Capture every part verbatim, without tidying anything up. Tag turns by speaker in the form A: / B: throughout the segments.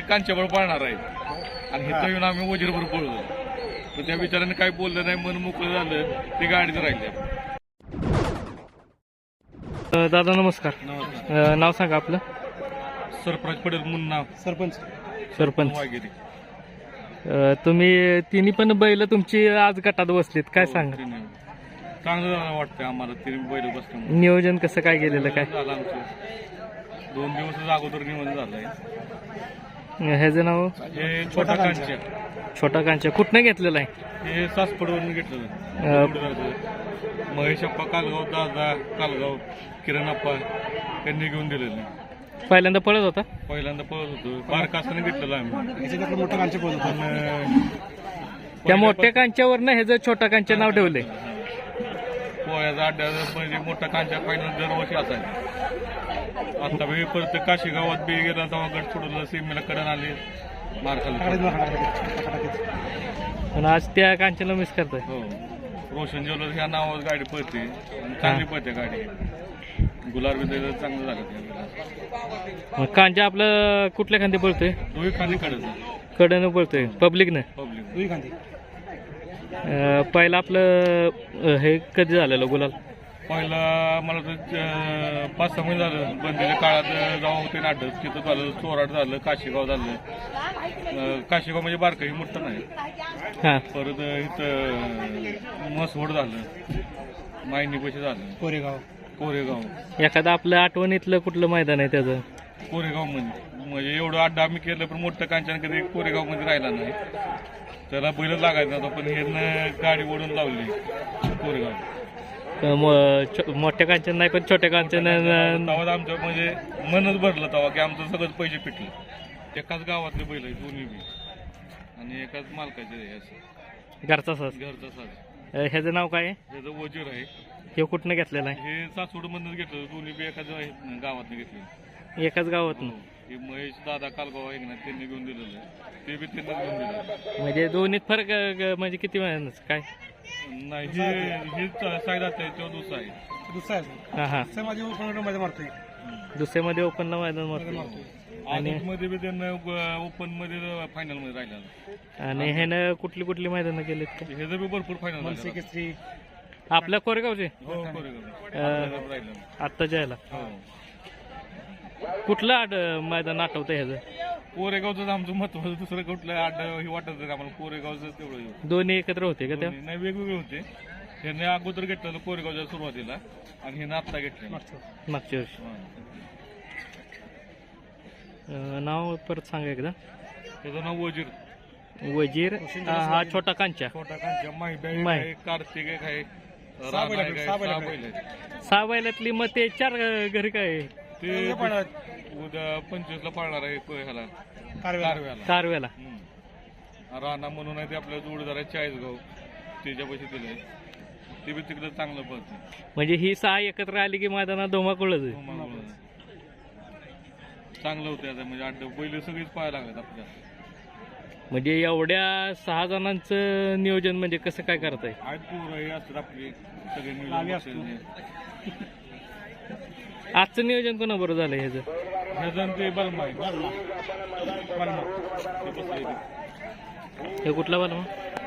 A: कांच्याबळ पाळणार आहे आणि इथं येऊन आम्ही वजीरभर पळलो. तर त्या विचाराने काही बोललं नाही, मन मोकळं झालं, ते गाडीत राहिले.
B: दादा नमस्कार. अ, नाव सांगा आपलं.
A: सरप्राईज पडेल म्हणून नाव
C: सरपंच
B: सरपंच.
A: वागिरी.
B: अ, तुम्ही तिन्ही पण बैल तुमची आज गटात बसलीत, काय सांगा.
A: चांगलं वाटतंय आम्हाला तिने बैल बसल्यामुळे.
B: नियोजन कसं काय गेलेलं काय.
A: झालं आमचं दोन दिवस अगोदर निवडून झालंय.
B: ह्याचं नाव
A: हे छोटा कांच्या,
B: छोटा कांच्या. कुठनं घेतलेलं आहे.
A: हे सासपडवरून घेतलं. महेश अप्पा कालगाव, दादा कालगाव, किरण अप्पा यांनी घेऊन दिलेलं.
B: पहिल्यांदा पळत होता.
A: पहिल्यांदा पळत होतो, बारका असताना घेतलेलं आम्ही.
C: मोठा कांच्या पळत होता.
B: त्या मोठ्या कांच्यावरनं ह्याचं छोटा कांच्या नाव ठेवलंय.
A: पोळ्याचा अड्डा म्हणजे मोठा कांच्या फायनल दरवर्षी असायचा. आता बी परत काशी गावात बी गेला तेव्हा गट सोडलं, सीमेला कडन आले, मार खाल्ला.
B: पण आज त्या कांच्याला मिस करताय.
A: हो, रोशन ज्वेलर्स ह्या नावावर गाडी पळते, चांगली पळते गाडी. गुलाब बी त्याचं चांगलं झालं.
B: मग कांच्या आपलं कुठल्या खांदी पळतोय.
A: दोन्ही खाली कडच
B: कडनं पळतोय पब्लिकनं.
A: पब्लिक
C: दुई खांदी.
B: अ, पहिलं आपलं अ, हे कधी झालेलं गुलाल.
A: पहिला मला तर पाच सहा महिने झालं बंदीच्या काळात जाऊ होते नाटक. तिथं झालं, चोराट झालं, काशीगाव झालं. काशीगाव म्हणजे बारकं ही मोठं नाही.
B: हां.
A: परत इथं मसवड झालं, मायनी पैसे झालं,
C: कोरेगाव.
A: कोरेगाव.
B: एखादं आपलं आठवणीतलं कुठलं मैदान आहे त्याचं.
A: कोरेगाव मध्ये म्हणजे एवढं अड्डा आम्ही केलं पण मोठं कांचन कधी कोरेगाव मध्ये राहिला नाही. त्याला बैल लागायचं नव्हतं पण हे गाडी ओढून लावली कोरेगाव.
B: अ, मो- छो- मोठ्या कांचन नाही पण छोट्या कांचन.
A: तेव्हा आमचं म्हणजे मनच भरलं तेव्हा की आमचं सगळंच पैसे पिटले. एकाच गावातले बैल आहे दोन्ही बी आणि एकाच मालकाचे आहे. असं
B: घरचा सास.
A: घरचा साज.
B: अ, ह्याचं नाव काय आहे.
A: त्याचं वजीर आहे.
B: हे कुठनं घेतलेलं आहे.
A: हे सासवड मधूनच घेतलं, दोन्ही बी एकाच गावातनं घेतले.
B: एकाच गावात.
A: हे महेश दादा कालगाव आहे ना, त्यांनी घेऊन दिलेलं आहे. ते बी त्यांनाच घेऊन दिलं.
B: म्हणजे दोन्हीत फरक अ, म्हणजे किती महिन्याच काय.
A: नाही हे हे सायदात आहे, तो दुसरा आहे.
C: दुसरा आहे.
B: हां हां.
C: दुसरा माझी ओपन मध्ये मारतोय.
B: दुसऱ्यामध्ये ओपनला मैदान मारतो.
A: आणि मध्ये बी त्यांना ओपन मध्ये फायनल मध्ये राहिला.
B: आणि ह्यानं कुठली कुठली मैदानं केलीत का.
A: हे बी भरपूर फायनल
C: मनसे केसरी.
B: आपल्या कोरेगावचे.
A: हो
B: अ,
A: राहिलं.
B: आत्ताच्या ह्याला
A: हो,
B: कुठलं आड मैदान आठवतं ह्याचं.
A: कोरेगावचं आमचं महत्वाचं, दुसरं कुठलं आड हे वाटत नाही आम्हाला. कोरेगावचं तेवढं.
B: दोन्ही एकत्र होते का त्या.
A: नाही वेगवेगळे होते. ह्याने अगोदर घेतलेलं कोरेगावच्या सुरुवातीला आणि हे आत्ता घेतलं
B: मागच्या वर्षी. अ, नाव परत सांगा एकदा.
A: त्याचं नाव वजीर.
B: वजीर. हा हा छोटा कांच्या.
A: छोटा कांच्या, माहिती
B: माही.
A: आहे, कार्तिक एक आहे,
C: सहा बैल
A: राणा
C: आहेत,
A: एक आहे,
C: सहा बैल
A: सहा
C: आहेत.
A: बैल आहेत.
B: सहा बैलातली मग ते चार अ, घरी काय आहे?
A: ते उद्या पंचवीस ला पाळणार आहे प- ह्याला
C: कारवेला.
A: कारव्याला.
B: कारव्याला.
A: हम्म. राणा म्हणून आहे ते आपल्या जोडीदार आहे चाळीसगाव, त्याच्या पैसे दिले. ते बी तिकडे चांगलं पडतं.
B: म्हणजे ही सहा एकत्र आली की मैदानात धोमाकुळच आहे.
A: चांगलं होतं आता म्हणजे अड्डा बैल सगळीच पाहायला लागतात आपल्या.
B: म्हणजे एवढ्या सहा जणांचं नियोजन म्हणजे कसं काय करताय.
A: आहेत पोरं हे असतात आपली सगळे मिळून
C: गावी असतो.
A: बसलेले.
B: आजचं नियोजन कोणाबरोबर झालं ह्याचं.
A: ह्याचं ते बलमा आहे.
C: बलमा.
A: ते बसले इथे.
B: हे कुठला बलमा.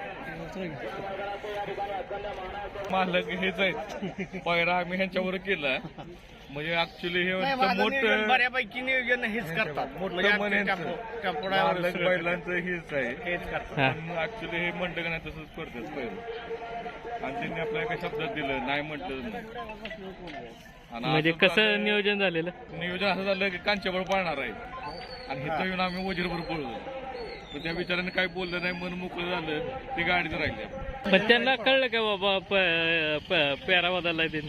A: मालक हेच आहेत. पहिला आम्ही ह्यांच्यावर केला म्हणजे ऍक्च्युली हे मोठं
C: बऱ्यापैकी नियोजन हेच करतात.
A: मोठं मन मालक बैलांचं हेच आहे.
C: हेच करतात.
B: हा.
A: पण ऍक्च्युली हे म्हणतं का नाही तसंच करतात पहिलं. आणि त्यांनी आपल्याला एका शब्दात दिलं नाही म्हटलं नाही. आणि
B: म्हणजे
A: असं
B: कसं
A: झालं-
B: नियोजन झालेलं.
A: नियोजन असं झालं की कांच्याबळ पाळणार आहे आणि इथं येऊन आम्ही वजीरभर पळलो. तर त्या विचाराने काही बोललं नाही, मन मोकळं झालं, ते गाडीत राहिले.
B: पण त्यांना कळलं का बाबा प- प- पेरा बदललाय त्यांनी.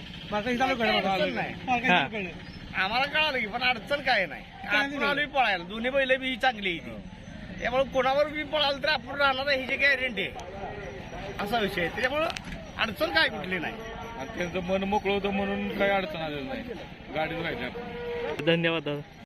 B: हा.
C: आम्हाला कळालं की पण अडचण काय नाही. आपण आलोय पळायला, दोन्ही बैल बी चांगली आहे ती. त्यामुळे कोणावर बी पळालं तर आपण राहणार आहे ह्याची गॅरंटी आहे, असा विषय आहे. त्याच्यामुळं अडचण काय कुठली नाही.
A: आणि त्यांचं मन मोकळं होतं म्हणून काही अडचण आलेलं नाही, गाडीत राहिले.
B: धन्यवाद दादा.